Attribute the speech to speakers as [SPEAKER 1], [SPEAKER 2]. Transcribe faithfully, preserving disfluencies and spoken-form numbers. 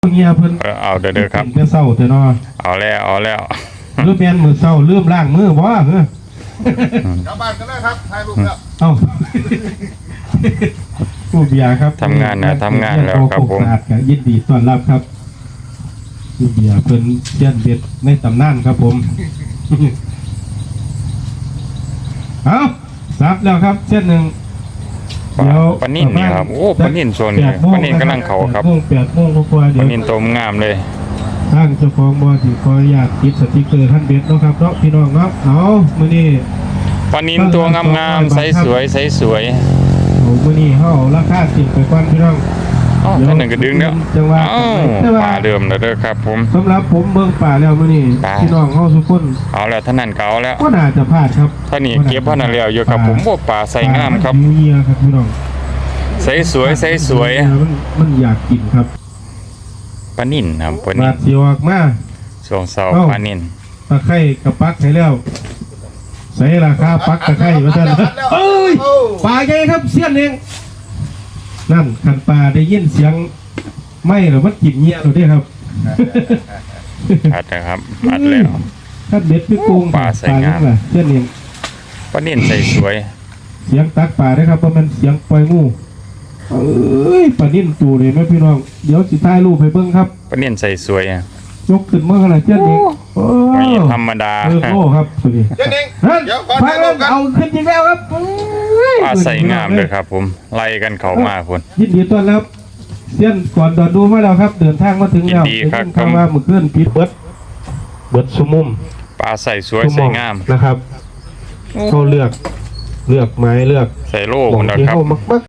[SPEAKER 1] เฮียเพิ่น
[SPEAKER 2] เออเอาเด้อเด้อครับ
[SPEAKER 1] เป็นเศร้าเถอะเนาะ
[SPEAKER 2] เอาแล้วเอาแล้ว
[SPEAKER 1] หรือแม่นมือเศร้าลืมล้างมือบ่เฮ้อก
[SPEAKER 3] ลับบ้านกันเลยครับถ่ายรูปแล้ว
[SPEAKER 1] เอ้าผู้เบียร์ครับ
[SPEAKER 2] ทำงานนะทำงานแล้วครับผม
[SPEAKER 1] สะอาดก็ยินดีต้อนรับครับผู้เบียร์เพิ่นเชียนเบ็ดในตำนานครับผมเอาซับแล้วครับเส้นหนึ่งเดี๋ยว
[SPEAKER 2] ปลานิ่นนี่ครับโอ้ปลานิ่นโซนนี้
[SPEAKER 1] แปดโมง
[SPEAKER 2] ปลานิ่นกำลังเข้าครับ
[SPEAKER 1] แปดโมงแปดโมงกว่าๆ
[SPEAKER 2] ป
[SPEAKER 1] เดี๋ย
[SPEAKER 2] ลาว นิ่นตัวงามเลย
[SPEAKER 1] ทางเจ้าของบ่อที่ขออนุญาตติดสติกเกอร์ท่านเบ็ดเนาะครับเนาะพี่น้องเนาะเอามื้อนี้
[SPEAKER 2] ปลานิ่นตัวงามๆใสสวยใสสวย
[SPEAKER 1] เอามื้อนี้เฮาเอาราคาสิบไปก่อนพี่น้อง
[SPEAKER 2] อ๋อท่านหนึ่งก็ดึงแล้ว
[SPEAKER 1] จังหวะ
[SPEAKER 2] อ้าว
[SPEAKER 1] แต่ว่า
[SPEAKER 2] ปลาเดิมแล้วเด้อครับผม
[SPEAKER 1] สำหรับผมเบิ่งป่าแล้วมื้อนี้
[SPEAKER 2] ปลา
[SPEAKER 1] พี่น้องเฮาทุกคน
[SPEAKER 2] เอาแล้วท่านนั่นเก่าแล้ว
[SPEAKER 1] ก็น่าจะพลาดครับ
[SPEAKER 2] ท่านนี่เก็บพ่อนั่นแล้วอยู่ครับผมโอ้ปลาใสงามครับ
[SPEAKER 1] ปลนหิวเหียครับพี่น้อง
[SPEAKER 2] ใสสวยใสสวย
[SPEAKER 1] มันมันอยากกินครับ
[SPEAKER 2] ปลานิ่นครับปลา
[SPEAKER 1] บา
[SPEAKER 2] นิ่
[SPEAKER 1] ด
[SPEAKER 2] น
[SPEAKER 1] สิออกมา
[SPEAKER 2] ช่วงเสาร์
[SPEAKER 1] เอ้า
[SPEAKER 2] ปลานิ่น
[SPEAKER 1] ตะไคร้กับปักให้แล้วใส่ราคาปักตะไคร้ว่าซั่นเอ้ยปลาใหญ่ครับเสี้ยนเองนั่นคันปลาได้ยินเสียงไม่หรือมันกินเงี้ยหรือเด้ครับ
[SPEAKER 2] อัดนะครับอัดแล้ว
[SPEAKER 1] ถ้าเด็ดพี่กุ้ง
[SPEAKER 2] ปลาใส่งาม
[SPEAKER 1] ปลเช่นเอง
[SPEAKER 2] ปลานิ่นใสสวย
[SPEAKER 1] เสียงตักปลาได้ครับเพราะมันเสียงปล่อยงูเอ้ยปลานิ่นตูเลยไหมพี่น้องเดี๋ยวสิถ่ายรูปให้เบิ่งครับ
[SPEAKER 2] ปลานิ่นใสสวยอะ
[SPEAKER 1] ยกขึ้นเมื่อไหร่เช่นเองโอ้
[SPEAKER 2] ไม่ธรรมดา
[SPEAKER 1] เออโอ้ครับตัวนี้
[SPEAKER 3] เดี๋ยวเอง
[SPEAKER 1] นั่น
[SPEAKER 3] เดี๋ยวก่อน
[SPEAKER 1] ไป
[SPEAKER 3] ถ่ายรูปกัน
[SPEAKER 1] เอาขึ้นจริงแล้วครับเอ้ย
[SPEAKER 2] ปลาใสงามเลยครับผมไล่กันเข้ามาคน
[SPEAKER 1] ยินดีต้อนรับเสี้ยนก่อนดอนดูมาแล้วครับ เดินทางมาถึงแล้ว
[SPEAKER 2] ยินดีครับ
[SPEAKER 1] ได้ยินข่าวว่าเมื่อคืนปิดเบิดเบิดสุมุม
[SPEAKER 2] ปลาใสสวยใสงาม
[SPEAKER 1] นะครับเขาเลือกเลือกไม้เลือก
[SPEAKER 2] ใส่โล่
[SPEAKER 1] ข
[SPEAKER 2] ค
[SPEAKER 1] อง
[SPEAKER 2] นละ
[SPEAKER 1] ที่
[SPEAKER 2] ครับ
[SPEAKER 1] เขามักมัก